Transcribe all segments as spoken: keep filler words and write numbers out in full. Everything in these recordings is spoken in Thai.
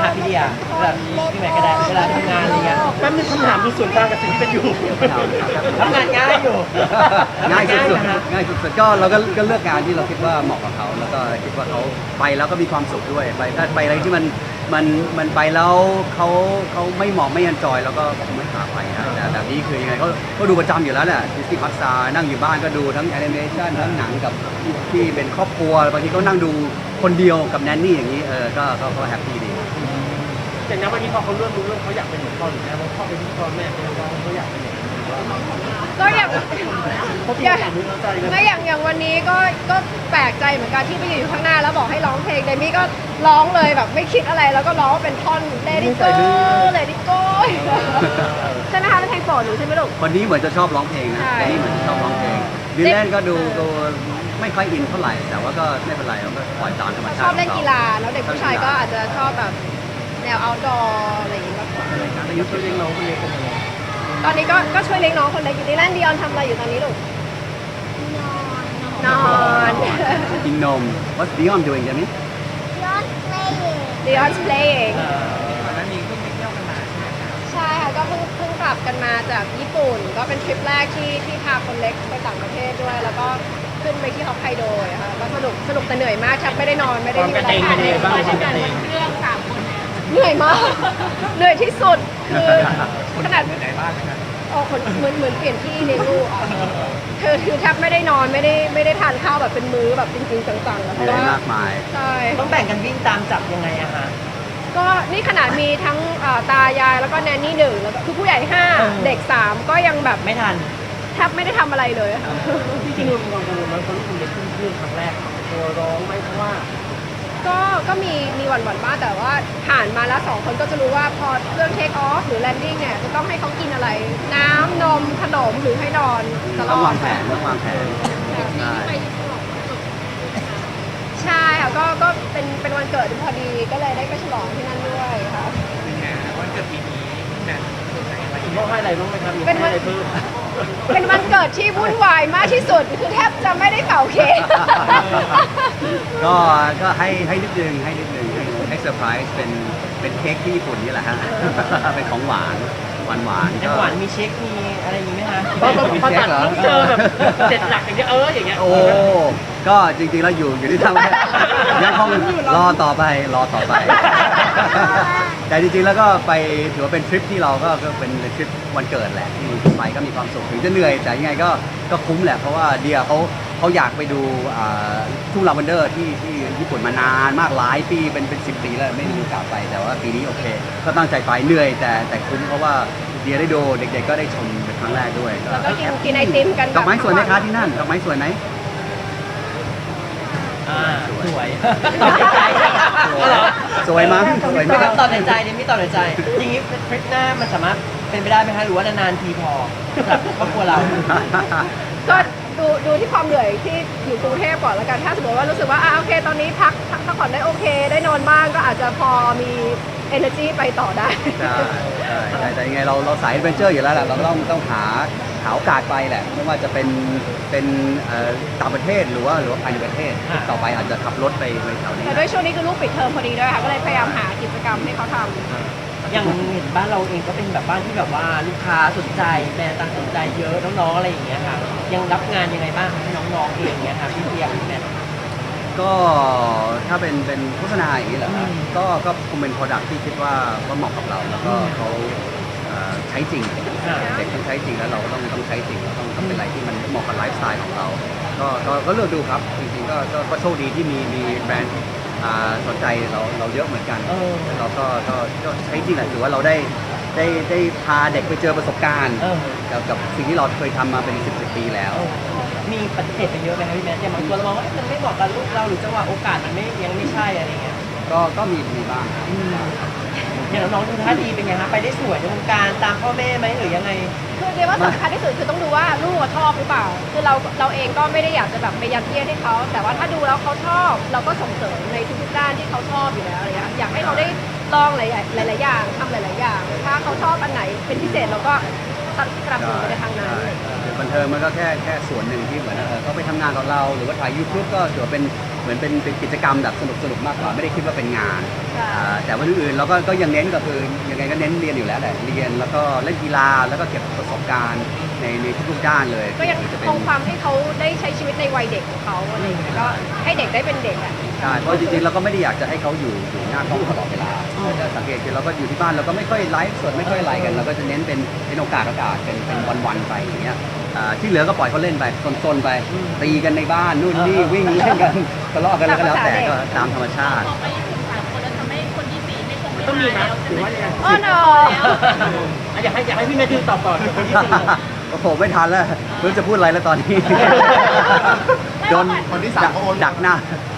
คะพี่เดียเวลาพี่แม่ก็ได้เวลาทำงานอะไรเงี้ยแป๊บนึงคำถามดูส่วนต่างกับสิ่งที่เป็นอยู่ทำงานง่ายอยู่ง่ายสุดนะคะๆง่ายสุดๆก็เราก็ก็เลือกงานที่เราคิดว่าเหมาะกับเขาแล้วก็คิดว่าเขาไปแล้วก็มีความสุขด้วยไปถ้าไปอะไรที่มันมันมันไปแล้วเขาเขาไม่เหมาะไม่ยันจอยแล้วก็คงไม่พาไปนะแต่แบบนี้คือยังไงเขาก็ดูประจำอยู่แล้วแหละดิสนีย์พักซานั่งอยู่บ้านก็ดูทั้งแอนิเมชันทั้งหนังกับที่เป็นครอบครัวบางทีก็นั่งดูคนเดียวกับแนนนี่อย่างนี้เออก็ก็ก็แฮปปี้ดีอย่างนั้นวันนี้พอเขาเริ่มรู้เรื่องเขาอยากเป็นเหมือนพ่อหรือแม่เพราะพ่อเป็นพ่อแม่เป็นน้องเขาอยากเป็นอย่างนี้ก็อย่างเขาพี่อย่างถามรู้ใจกันไม่อย่างอย่างวันนี้ก็ก็แปลกใจเหมือนกันที่ไปอยู่ข้างหน้าแล้วบอกให้ร้องเพลงเดมี่ก็ร้องเลยแบบไม่คิดอะไรแล้วก็ร้องเป็นท่อน Let it go Let it go ใช่ไหมคะเป็นเพลงโปรดหนูใช่ไหมลูกวันนี้เหมือนจะชอบร้องเพลงนะใช่แต่นี่เหมือนจะชอบร้องเพลงดิแลนก็ดูดูไม่ค่อยอินเท่าไหร่แต่ว่าก็ไม่เป็นไรเราก็ปล่อยตามธรรมเขาชาติชอบเล่นกีฬาแล้วเด็กผู้ชายก็อาจจะชอบแบบแนว outdoor อะไรอย่างงี้มากกว่าแต่ยุทธเลี้ยงน้องคนเล็กกันยังไงตอนนี้ก็ก็ช่วยเลี้ยงน้องคนเล็กอยู่ดิแลนดิออนทำอะไรอยู่ตอนนี้ลูกนอนกินนม What's Dion doing จามิ Dion's playing ก่อนหน้านี้เพิ่งไปเที่ยวกันมาใช่ไหมคะใช่ค่ะก็เพิ่งเพิ่งกลับกันมาจากญี่ปุ่น ก็เป็นทริปแรกที่ที่พาคนเล็กไปต่างประเทศด้วย แล้วก็ขึ้นไปที่ฮอกไกโดอะค่ะก็สนุกสนุกแต่เหนื่อยมากแทบไม่ได้นอนไม่ได้มีเวลาทานเลยเหนื่อยมาก เหนื่อยที่สุดคือขนาดไหนบ้างนะครับโอ้คนเหมือนเหมือนเปลี่ยนที่เลี้ยงลูกอ่ะคือคือแทบไม่ได้นอนไม่ได้ไม่ได้ทานข้าวแบบเป็นมื้อแบบจริงๆจังๆอะเพเหนื่ราะอยว่ามากมายใช่ต้องแบ่งกันวิ่งตามจับยังไงอะคะก็นี่ขนาดมีทั้งเอ่อตายายแล้วก็แนนนี่หนึ่งแล้วก็คือผู้ใหญ่ห้าเออเด็กสามก็ยังแบบไม่ทันแทบไม่ได้ทำอะไรเลยค่ะจริงๆเรากังวลไหมเพราะลูกคนเล็กขึ้นเครื่องครั้งแรกตัวร้องไหมเพราะว่าก็ก็มีมีหวั่นหวั่นๆบ้างแต่ว่าผ่านมาแล้วสองคนก็จะรู้ว่าพอเครื่องเทคออฟหรือแลนดิ้งเนี่ยจะต้องให้เขากินอะไร น้ำนมขนมหรือให้นอนตลต้องอวาดงแผนต้องวางแผนใช่ใช่ค่ะก็ก็เป็นเป็นวันเกิดพอดีก็เลยได้ไปฉลองที่นั่นด้วยค่ะเป็นไงวันเกิดปีนี้นะคุณพ่อให้อะไรบ้างไหมครับมีเป็นวัให้นอะไรเพิ่มเป็นวันเกิดที่วุ่นวายมากที่สุดคือแทบจะไม่ได้เป่าเค้กก็ก็ให้ให้นิดนึงให้นิดนึงให้ให้เซอร์ไพรส์เป็นเป็นเค้กที่ญี่ปุ่นนี่แหละฮะ เป็นของหวานหวานหวานในหวานมีเช็คมีอะไรอย่างนี้ไหมคะพอพอตัดต้องเจอแบบเจ็ดหลักอย่างเงี้ยเอออย่างเงี้ยโอ้ก็จริงๆแล้วอยู่อยู่ที่ทางยังคงรอต่อไปรอต่อไป แต่จริงๆแล้วก็ไปถือว่าเป็นทริปที่เราก็ก็เป็นทริปวันเกิดแหละที่ไปก็มีความสุขถึงจะเหนื่อยแต่ยังไงก็ก็คุ้มแหละเพราะว่าเดียเขาเขาอยากไปดูอ่าทุ่งลาเวนเดอร์ที่ที่ญี่ปุ่นมานานมากหลายปีเป็นเป็นสิบปีแล้วไม่มีโอกาสไปแต่ว่าปีนี้โอเค ก็ตั้งใจไปเหนื่อยแต่แต่คุ้มเพราะว่าเดียได้ดูเด็กๆก็ได้ชมเป็นครั้งแรกด้วยก็แล้วก็กินกินไอติมกันดอกไม้สวยไหมคะที่นั่นดอกไม้สวยไหมอ่าสวยตอบในใจสวยมั้งสวยไหมครับตอบในใจเนี่ยไม่ตอบในใจอย่างนี้ทริปหน้ามันสามารถเป็นไปได้ไหมคะหรือว่านานๆทีพอสำหรับครอบครัวเราก็ดูดูที่ความเหนื่อยที่อยู่กรุงเทพก่อนแล้วกัน ถ้าสมมติว่ารู้สึกว่าอ่ะโอเค ตอนนี้พักพักพักผ่อนได้โอเค ได้นอนบ้างก็อาจจะพอมี energy ไปต่อได้ใช่ใช่แต่แต่ยังไงเราเราสายแอดเวนเจอร์อยู่แล้วแหละเราก็ต้องต้องหาหาโอกาสไปแหละไม่ว่าจะเป็นเป็นเอ่อต่างประเทศหรือว่าหรือว่าภายในประเทศอ่าต่อไปอาจจะขับรถไปไปแถวนี้แต่ด้วยช่วงนี้คือลูกปิดเทอมพอดีด้วยค่ะ ก็เลยพยายามหากิจกรรมให้เขาทำอย่างเห็นบ้านเราเองก็เป็นแบบบ้านที่แบบว่าลูกค้าสนใจแบรนด์ต่างสนใจเยอะน้องๆอะไรอย่างเงี้ยค่ะยังรับงานยังไงบ้างให้น้องๆเองเงี้ยค่ะพี่เพียงพี่แมทก็ถ้าเป็นเป็นโฆษณาอย่างนี้เหรอครับอืมก็ก็คงเป็น product ที่คิดว่าว่าเหมาะกับเรา แล้วก็อืมเขาเอ่อใช้จริงอ่าเด็กต้องใช้จริงแล้วเราก็ต้องต้องใช้จริงเราต้องต้องเป็นอะไรที่มันเหมาะกับไลฟ์สไตล์ของเรา ก็ก็ก็เลือกดูครับจริงๆก็ก็ก็โชคดีที่มีมีแบรนด์อ่าสนใจเราเราเยอะเหมือนกันเออเราก็ก็ก็ใช้จริงแหละถือว่าเราได้ได้ได้พาเด็กไปเจอประสบการณ์เออกับกับสิ่งที่เราเคยทำมาเป็นสิบสิบปีแล้วมีปฏิเสธไปเยอะไหมครับพี่แมทอย่างบางตัวเรามองว่าเอ๊ะมันไม่เหมาะกับลูกเราหรือจังหวะโอกาสมันไม่ยังไม่ใช่อะไรเงี้ยก็ก็มีมีบ้างอืมอย่างน้องๆดูท่าดีเป็นไงคะไปได้สวยในวงการตามพ่อแม่ไหมหรือยังไงคือเรียกว่าสำคัญที่สุดคือต้องดูว่าลูกอะชอบหรือเปล่า คือเราเราเองก็ไม่ได้อยากจะแบบไปยัดเยียดให้เขา แต่ว่าถ้าดูแล้วเขาชอบ เราก็ส่งเสริมในทุกๆด้านที่เขาชอบอยู่แล้วอะไรเงี้ยอยากให้เขาได้ลองหลายๆหลายๆอย่างทำหลายๆอย่าง ถ้าเขาชอบอันไหนเป็นพิเศษเราก็สนับสนุนไปในทางนั้นใช่คือบันเทิงมันก็แค่แค่ส่วนหนึ่งที่เหมือนเออเขาไปทำงานกับเรา หรือว่าถ่ายยูทูบก็ถือว่าเป็นเหมือนเป็นเป็นกิจกรรมแบบสนุกสนุกมากกว่าไม่ได้คิดว่าเป็นงานใช่อ่าแต่วันอื่นๆเราก็ก็ยังเน้นก็คือยังไงก็เน้นเรียนอยู่แล้วแหละเรียนแล้วก็เล่นกีฬาแล้วก็เก็บประสบการณ์ในในทุกๆด้านเลยก็ยังจะเป็นคงความให้เขาได้ใช้ชีวิตในวัยเด็กของเขาอะไรอย่างเงี้ยก็ให้เด็กได้เป็นเด็กอ่ะใช่เพราะจริงๆเราก็ไม่ได้อยากจะให้เขาอยู่อยู่หน้ากล้องตลอดเวลาถ้าสังเกตคือเราก็อยู่ที่บ้านเราก็ไม่ค่อยไลฟ์สดไม่ค่อยอะไรกันเราก็จะเน้นเป็นเป็นโอกาสโอกาสเป็นเป็นวันๆไปอย่างเงี้ยอ่าที่เหลือก็ปล่อยเขาเล่นไปซนๆไปตีกันในบ้านนู่นนี่วิ่งเล่นกันทะเลาะกันแล้วก็แล้วแต่ก็ตามธรรมชาติต้องมีนะหรือว่ายังไงอ๋อเนอะอยากให้อยากให้พี่แมทธิวตอบก่อนคนที่สี่โอ้โหไม่ทันแล้วไม่รู้จะพูดอะไรแล้วตอนนี้โดนคนที่สามดักหน้า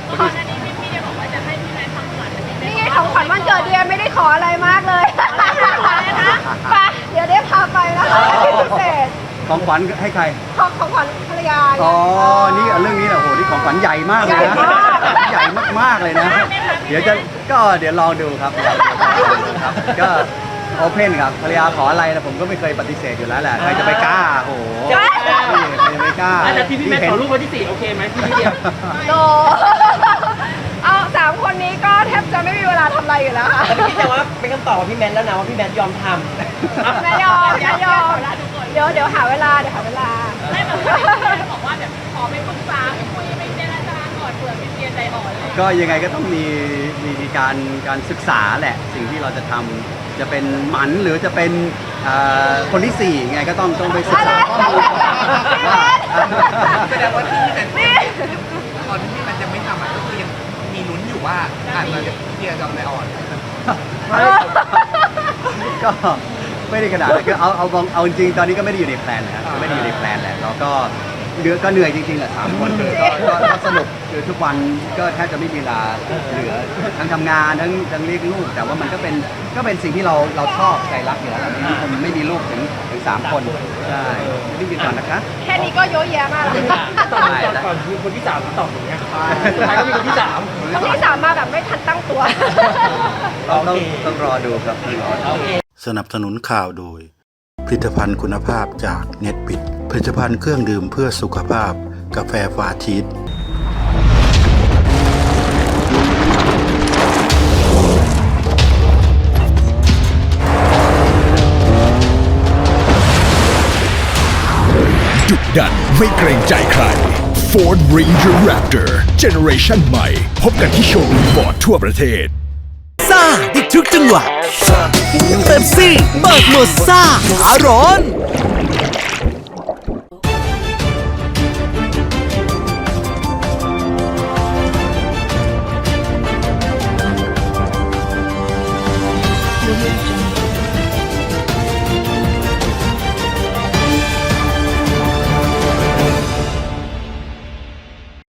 นี่ไงของขวัญวันเกิดเดียไม่ได้ขออะไรมากเลยไปเดี๋ยวได้พาไปนะคะพิเศษของขวัญให้ใครของของขวัญภรรยาอ๋อ นี่เรื่องนี้แหละโอ้โห นี่ของขวัญใหญ่มากเลยนะ ใหญ่มากๆเลยนะ เดี๋ยวจะ ก็เดี๋ยวลองดูครับลองดูครับ ก็โอเพนครับภรรยาขออะไรนะผมก็ไม่เคยปฏิเสธอยู่แล้วแหละ ใครจะไปกล้า โอ้โหนี่ใครจะไม่กล้าแต่ที่พี่แมทขอรูปวันที่สี่โอเคไหมพี่พี่เดียวโตเอาสามคนนี้ก็แทบจะไม่มีเวลาทำอะไรอยู่แล้วค่ะแต่พี่แต่ว่าเป็นคำตอบของพี่แมนแล้วนะว่าพี่แมนยอมทำไม่ยอมไม่ยอมเดี๋ยวเดี๋ยวหาเวลาเดี๋ยวหาเวลาไม่แบบบอกว่าแบบขอไปปรึกษาไปคุยไปเจรจาก่อนเผื่อเป็นเรียนใจอ่อนเลยก็ยังไงก็ต้องมีมีมีการการศึกษาแหละ สิ่งที่เราจะทำจะเป็นหมันหรือจะเป็นเอ่อคนที่สี่ไงก็ต้องต้องไปศึกษาข้อมูลว่าแสดงว่าที่แต่ตอนที่มันยังไม่ทำอ่ะก็คือยังมีลุ้นอยู่ว่าอาจจะที่จะจำได้อ่อนก็ไม่ได้ขนาดนั้นคือเอาเอาเอาเอาจริงๆตอนนี้ก็ไม่ได้อยู่ในแพลนนะครับไม่ได้อยู่ในแพลนแหละเราก็เหลือก็เหนื่อยจริงๆแหละสามคนคือก็ก็ก็สนุกคือทุกวันก็แทบจะไม่มีเวลาเหลือทั้งทำงานทั้งทั้งเลี้ยงลูก แต่ว่ามันก็เป็นก็เป็นสิ่งที่เราเราชอบใจรักอยู่แล้วเราไม่มีคนไม่มีลูกถึงถึงสามคนใช่รีบกินก่อนนะคะแค่นี้ก็เยอะแยะมากแล้วค่ะตอนก่อนก่อนมีคนที่สามตอบอย่างเงี้ยสุดท้ายก็มีคนที่สามคนที่สามมาแบบไม่ทันตั้งตัวต้องต้องต้องรอดูครับต้องรอดูโอเคสนับสนุนข่าวโดย ผลิตภัณฑ์คุณภาพจากเน็ตบิดผลิตภัณฑ์เครื่องดื่มเพื่อสุขภาพกาแฟฟาชีสดุดันไม่เกรงใจใคร Ford Ranger Raptor Generation ใหม่ พบกันที่โชว์รูมฟอร์ดทั่วประเทศซ่าอีกทุกจังหวะเป๊ปซี่เบิกหมดซ่าขาร้อน